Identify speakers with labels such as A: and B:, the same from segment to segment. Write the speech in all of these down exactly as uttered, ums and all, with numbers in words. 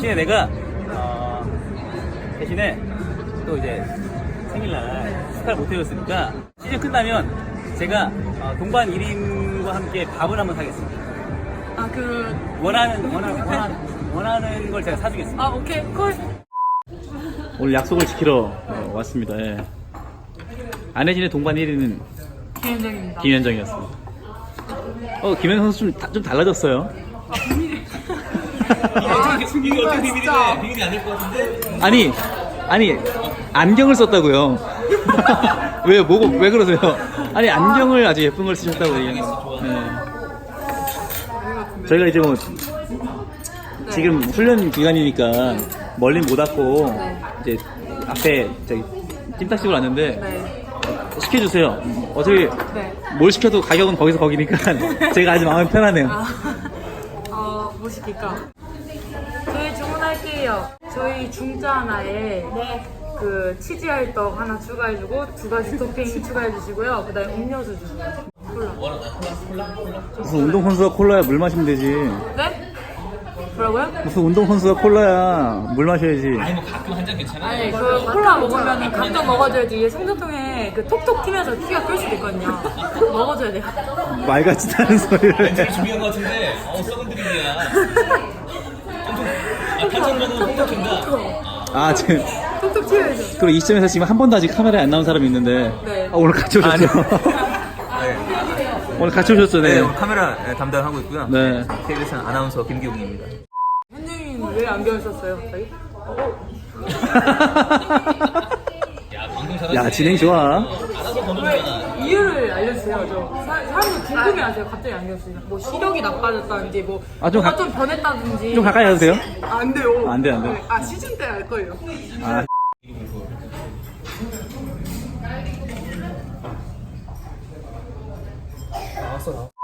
A: 대신에 내가 어, 대신에 또 이제 생일날 축하를 못 해줬으니까 시즌 끝나면 제가 어, 동반 일 인과 함께 밥을 한번 사겠습니다.
B: 아, 그
A: 원하는 원하는 원하는, 원하는 걸 제가 사주겠습니다.
B: 아, 오케이, 콜.
A: 오늘 약속을 지키러 어, 왔습니다. 예. 안혜진의 동반 일 위는
B: 김현정입니다.
A: 김현정이었습니다. 어, 김현정 선수 좀, 다- 좀 달라졌어요.
B: 아,
C: 이게 어떻게 비밀이네?
B: 진짜.
C: 비밀이 아닐 것 같은데?
A: 아니, 아니, 안경을 썼다고요. 왜, 뭐고, 왜 그러세요? 아니, 안경을 아주 예쁜 걸 쓰셨다고 얘기하는 거. 네. 저희가 이제 뭐, 지금 훈련 기간이니까 멀리 못 왔고,
B: 네.
A: 이제 앞에 저기 찜닭집을 왔는데,
B: 네.
A: 시켜주세요. 어차피
B: 네.
A: 뭘 시켜도 가격은 거기서 거기니까 제가 아주 마음이 편하네요.
B: 아, 어, 뭐 시킬까? 저희 주문할게요. 저희 중짜 하나에 그 치즈알떡 하나 추가해주고 두 가지 토핑 추가해주시고요. 그 다음에 음료수 주세요. 콜라.
A: 무슨 운동선수가 콜라야 물 마시면 되지.
B: 네? 뭐라고요?
A: 무슨 운동선수가 콜라야 물 마셔야지.
C: 아니 뭐 가끔 한 잔 괜찮아.
B: 아니, 그 콜라 먹으면 가끔 먹어줘야지. 이게 성전통에 그 톡톡 튀면서 피가 끓을 수도 있거든요. 먹어줘야 돼요.
A: 말 같지도 않은 소리를 해.
C: 되게 중요한 것 같은데, 어우, 썩은 드립이야. 아, 탄천면은 홍보팀다.
A: 아 지금
B: 톡톡 튀어야죠.
A: 그리고 이 시점에서 지금 한 번도 아직 카메라에 안 나온 사람이 있는데
B: 네.
A: 아, 오늘 같이 오셨죠? 오늘 같이 오셨죠?
C: 네,
A: 네.
C: 오늘 카메라 네, 담당하고 있고요.
A: 네.
C: 케이비에스 아나운서 김기웅입니다.
B: 현정이는 왜 안경을 썼어요, 갑자기?
C: 야, 방송 잘하지.
A: 야 진행 좋아.
C: 아나운서 번호잖아.
B: 왜 이유를 알려주세요. 저 사, 사람들 궁금해하세요. 갑자기 안경 쓰면 뭐 시력이 나빠졌다든지 뭐
A: 아, 좀
B: 뭐가
A: 가-
B: 좀 변했다든지.
A: 좀 가까이 하세요.
B: 아, 안 돼요.
A: 안 돼, 안 돼.
B: 네. 아, 시즌 때 알 거예요.
A: 아.
C: 나왔어, 나왔어.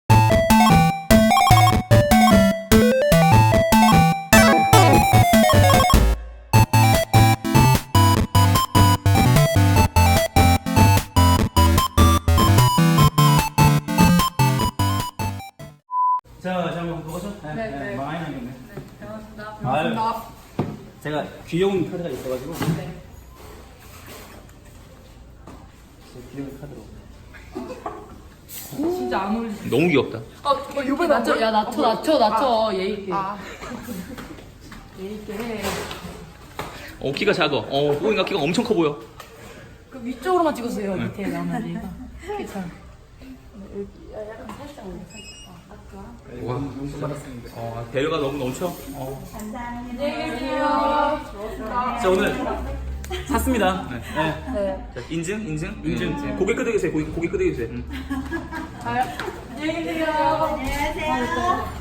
A: 자, 자, 한번 보고서. 네,
B: 네, 네.
A: 많이 남겼네.
B: 고맙습니다.
A: 아유.
B: 고맙습니다.
A: 제가 귀여운 카드가 있어가지고.
B: 네.
A: 제 귀여운 카드로.
B: 진짜 안 어울리지.
C: 너무 귀엽다.
B: 어, 어 요번에 낮춰. 야, 낮춰, 낮춰, 낮춰. 예의 있게. 예의 있게 해.
C: 어, 키가 작아. 어, 보니까 키가 엄청 커 보여.
B: 그 위쪽으로만 찍으세요. 밑에 나머지. 괜찮아.
C: 와, 어, 배려가 너무 넘쳐. 어.
B: 안녕히 계세요.
A: 자, 오늘 샀습니다. 네. 네.
B: 네.
C: 자, 인증, 인증,
A: 인증.
C: 네. 고개 끄덕이세요. 고개, 고개 끄덕이세요. 응.
B: 안녕히 계세요. 안녕히 계세요.